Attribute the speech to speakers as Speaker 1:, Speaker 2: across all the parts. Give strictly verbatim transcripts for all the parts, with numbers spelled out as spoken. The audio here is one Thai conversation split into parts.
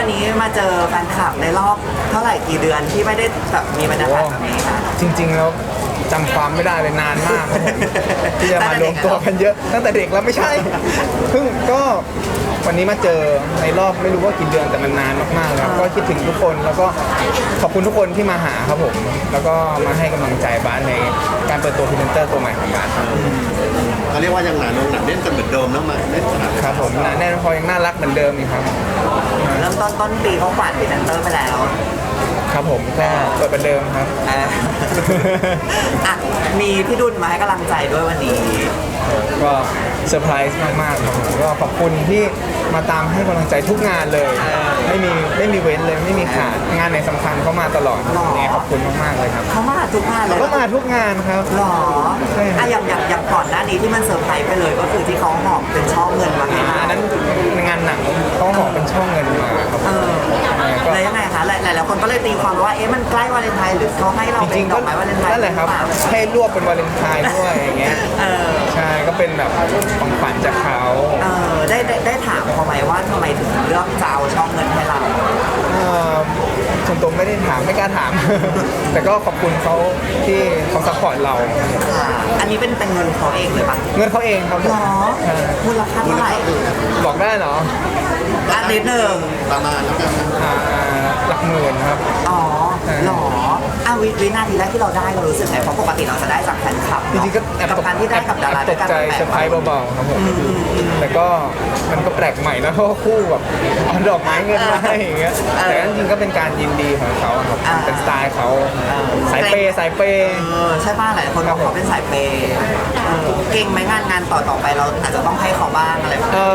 Speaker 1: วันนี้มาเจอแฟนคลับในรอบเท่าไหร่กี่เดือนที่ไม่ได้แบบมีบรรยากาศแบบนี้ค่ะ
Speaker 2: จริงๆแล้วจำความไม่ได้เลยนานมากครับผมที่จะมารวมตัวกันเยอะตั้งแต่เด็กแล้วไม่ใช่เพิ่งก็วันนี้มาเจอในรอบไม่รู้ว่ากี่เดือนแต่มันนานมากๆแล้วก็คิดถึงทุกคนแล้วก็ขอบคุณทุกคนที่มาหาครับผมแล้วก็มาให้กำลังใจบ้านในการเปิดตัวพรีเซนเตอร์ตัวใหม่ของบ้านครับ
Speaker 3: เขาเรียกว่ายังหนาแน่นหนาแน่นกันเหมือนเดิมนะมาแน่นขนาด
Speaker 2: ครับผมหนาแน่นพอยังน่ารักเหมือนเดิมนี่ครับ
Speaker 1: เริ่มต้นต้นปีเขาฝันพรีเซนเตอร์ไปแล้ว
Speaker 2: ครับผมก็เปิดประเดิมครับ
Speaker 1: อ่ะมีพี่ดุลมาให้กำลังใจด้วยวันนี้
Speaker 2: ก็เซอร์ไพรส์มากๆครับผมก็ขอบคุณที่มาตามให้กำลังใจทุกงานเลยไม่มีไม่มีเว้นเลยไม่มีขาดงานไหนสำคัญเขามาตลอดเนี่ยขอบคุณมากๆเลยครับ
Speaker 1: เขามาทุกงานเลย
Speaker 2: เขามาทุกงานครับ
Speaker 1: หรออ่ะอย่างอย่างอย่างก่อนหน้านี้ที่มันเซอร์ไพรส์ไปเลยก็คือที่เขาหอบเป็นช่อเงินมาให้
Speaker 2: อันนั้นงานหนังเขาหอบเป็นช่อเงินมาครับ
Speaker 1: แล้วยังไงคะหลายหลายคนก็เลยตีความว่าเอ๊ะมันใกล้วาเลนไทน์หรือเขาให้เราเป็นดอกไม้วาเลนไทน์
Speaker 2: นั่นแหละครับให้รวบเป็นวาเลนไทน์ด้วยอย่างเงี้ยใช่ก็เป็นแบบของขวัญจากเขา
Speaker 1: เออได้ได้ได้ถามเขาไหมว่าทำไมถึงเลือกจะเอาช่องเงินให้เรา
Speaker 2: ส่วนตัวไม่ได้ถามไม่กล้าถามแต่ก็ขอบคุณเขาที่เขาซัพพอร์ตเรา
Speaker 1: อันนี้เป็นเป็นเงินเขาเองเลยปะ
Speaker 2: เงินเขาเองครับ
Speaker 1: หรอมูลค่าเท่าไหร่
Speaker 2: บอกได้เหรอ
Speaker 1: อันนิดหนึ่ง
Speaker 3: ประมาณแล้วกัน
Speaker 2: หลักหมื่นครับ
Speaker 1: อ๋อหรออ้าววินาทีแรกที่เราได้เรารู้สึกไงเพราะปกติเราจะได้จากแฟนคลับ
Speaker 2: จริงๆก็แอบ
Speaker 1: กับการที่ได้กับดารา
Speaker 2: ตกใจเซอร์ไพรส์เบาๆครับผมแต่ก็มันก็แปลกใหม่นะเพราะคู่แบบเอาดอกไม้เงินมาให้อย่างเงี้ยแต่จริงๆก็เป็นการยินดีของเขาครับเป็นสไตล์เขาสายเปย์สายเปย์
Speaker 1: ใช่ป่ะหลายคนบอกเขาเป็นสายเปย์เก่งไหมงานงานต่อต่อไปเราอาจจะต้องให้เขาบ้างอะไรแบบนี้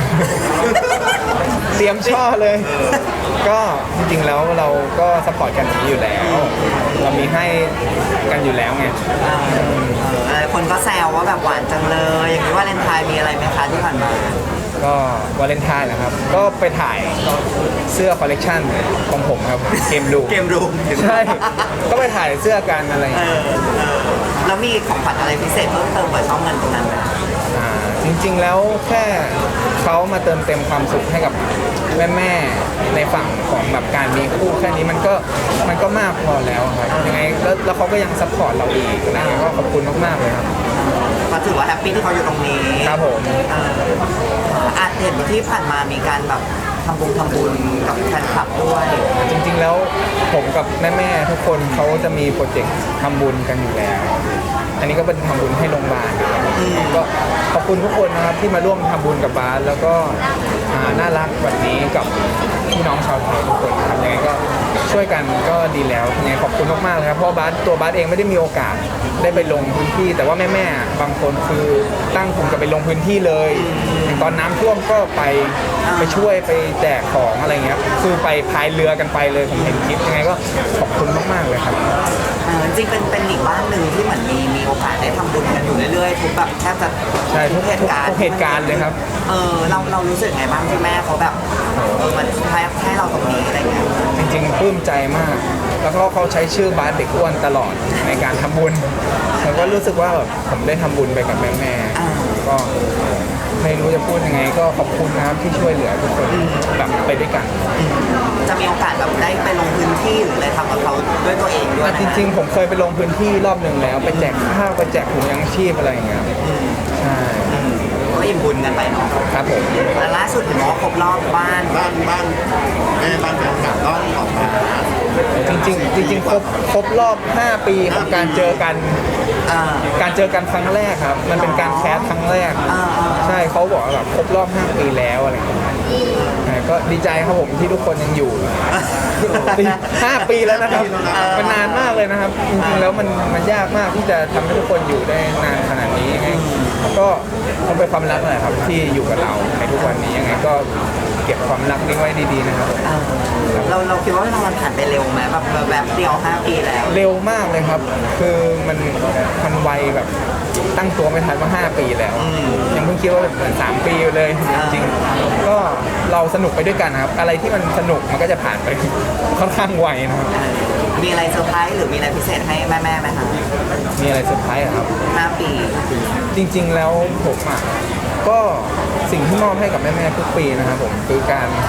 Speaker 2: เตรียมช่อเลยก็จริงๆแล้วเราก็สปอร์ตกันอย่างนี้อยู่แล้วเรามีให้กันอยู่แล้วไง
Speaker 1: หลายคนก็แซวว่าแบบหวานจังเลยอย่างนี้วาเลนไทน์มีอะไรไหมคะที่ผ่านมา
Speaker 2: ก็วาเลนไทน์นะครับก็ไปถ่ายเสื้อคอลเลกชันของผมครับเกมรู
Speaker 1: เกมรู
Speaker 2: ใช่ก็ไปถ่ายเสื้อกันอะไร
Speaker 1: แล้วมีของขวัญอะไรพิเศษเพิ่มเติมกับช่องเงินตรงนั้นไหม
Speaker 2: จริงๆแล้วแค่เขามาเติมเต็มความสุขให้กับแม่ๆในฝั่งของแบบการมีคู่แค่นี้มันก็มันก็มากพอแล้วครับยังไงแล้วเขาก็ยังซัพพอร์ตเราอีกนะก็ขอบคุณมากๆเลยครับ
Speaker 1: ก็ถือว่าแฮปปี้ที่เขาอยู่ตรงนี้
Speaker 2: ครับผม
Speaker 1: อาจเห็นที่ผ่านมามีการแบบทำบุญทำบุญกับแฟนคลับด้วย
Speaker 2: จริงๆแล้วผมกับแม่ๆทุกคนเขาจะมีโปรเจกต์ทำบุญกันอยู่แล้วอันนี้ก็เป็นทำบุญให้โรงพยาบาลก็ขอบคุณทุกคนนะครับที่มาร่วมทำบุญกับบาสแล้วก็น่ารักแบบนี้กับพี่น้องชาวไทยทุกคนครับยังไงก็ช่วยกันก็ดีแล้วยังไงขอบคุณมากๆเลยครับเพราะบาสตัวบาสเองไม่ได้มีโอกาสได้ไปลงพื้นที่แต่ว่าแม่ๆบางคนคือตั้งกลุ่มกันไปลงพื้นที่เลยตอนน้ำท่วมก็ไปไปช่วยไปแจกของอะไรเงี้ยคือไปพายเรือกันไปเลยผมเห็นคลิปยังไงก็ขอบคุณมากๆเลยครับ
Speaker 1: จริงเป็นเป็นอีกบ้านหนึ่งที่เหมือนมีมีโอกาสได้ทำบุญกันอยู่เรื่อยๆทุกแบบแทบจะ
Speaker 2: ใช่ทุกเหตุการณ์ทุกเหตุการณ์เลยครับ
Speaker 1: เออเราเรารู้สึกไงบ้างที่แม่เขาแบบเออมันให้ให้เราตรงนี้อะไรเงี้ย
Speaker 2: จริงๆปลื้มใจมากแล้วก็เขาใช้ชื่อบาสเด็กอ้วนตลอดในการทำบุญผมก็รู้สึกว่าแบบผมได้ทำบุญไปกับแม่ๆก็ไม่รู้จะพูดยังไงก็ขอบคุณนะครับที่ช่วยเหลือทุกคนแบบไปด้วยกัน
Speaker 1: จะมีโอกาสแบบได้ไปลงพื้นที่หรืออะไรทำกับเขาด้วยตัวเองด้วย
Speaker 2: จริงๆผมเคยไปลงพื้นที่รอบหนึ่งแล้วไปแจกข้าวไปแจกถุงยังชีพอะไรอย่างเงี้ยใช่
Speaker 1: ก็อิ่มบุญกันไปเนาะ
Speaker 2: ครับผม
Speaker 1: แล้วล่าสุดเห็นว่าครบรอบบ้าน
Speaker 3: บ้านบ้านแม่บ้านแฟนคลับก็ออกมา
Speaker 2: จริงๆจริงๆครบครบรอบห้าปีของการเจอกันการเจอกันครั้งแรกครับมันเป็นการแคสครั้งแรกใช่เขาบอกว่าแบบครบรอบห้าปีแล้วอะไรอย่างเงี้ยก็ดีใจครับผมที่ทุกคนยังอยู่ห้าปีแล้วนะครับมันนานมากเลยนะครับจริงๆแล้วมันมันยากมากที่จะทำให้ทุกคนอยู่ได้นานขนาดนี้ยังไงก็มันเป็นความรักแหละครับที่อยู่กับเราในทุกวันนี้ยังไงก็เก็บความรักนี้ไว้ดีๆนะครับ
Speaker 1: เราเราคิดว่ามันผ่านไปเร็วไหมแบบแบบเดียวห้าปีแล้ว
Speaker 2: เร็วมากเลยครับคือมันมันไวแบบตั้งตัวไม่ทันว่าห้าปีแล้วยังเพิ่งคิดว่าเป็นสามปีเลยจริงๆก็เราสนุกไปด้วยกันครับอะไรที่มันสนุกมันก็จะผ่านไปค่อนข้างไวนะครับ
Speaker 1: มีอะไรเซอร์ไพรส์หรือมีอะไรพิเศษให้แม่ๆไหมคะ
Speaker 2: มีอะไรเซอร์ไพรส์ครับ
Speaker 1: ห้าปี
Speaker 2: จริงๆแล้วผมอ่ะก็สิ่งที่มอบให้กับแม่ๆทุกปีนะครับผมคือการ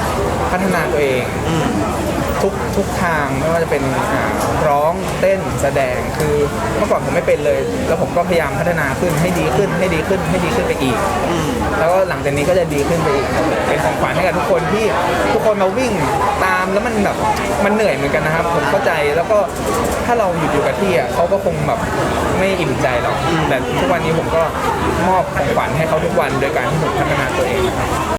Speaker 2: พัฒนาตัวเอง
Speaker 1: อืม
Speaker 2: ทุกทุกทางไม่ว่าจะเป็นอ่าร้องเต้นแสดงคือเมื่อก่อนผมไม่เป็นเลย แล้วผมก็พยายามพัฒนาขึ้นให้ดีขึ้นให้ดีขึ้นให้ดีขึ้นไปอีก
Speaker 1: อืม
Speaker 2: แล้วก็หลังจากนี้ก็จะดีขึ้นไปอีกครับเป็นของขวัญให้กับทุกคนที่ทุกคนมาวิ่งตามแล้วมันแบบมันเหนื่อยเหมือนกันนะครับ ผมเข้าใจแล้วก็ถ้าเราหยุดอยู่กับที่อ่ะเขาก็คงแบบไม่อิ่มใจหรอกแต่ทุกวันนี้ผมก็มอบของขวัญให้เขาทุกวันโดยการที่ผมพัฒนาตัวเองนะครับ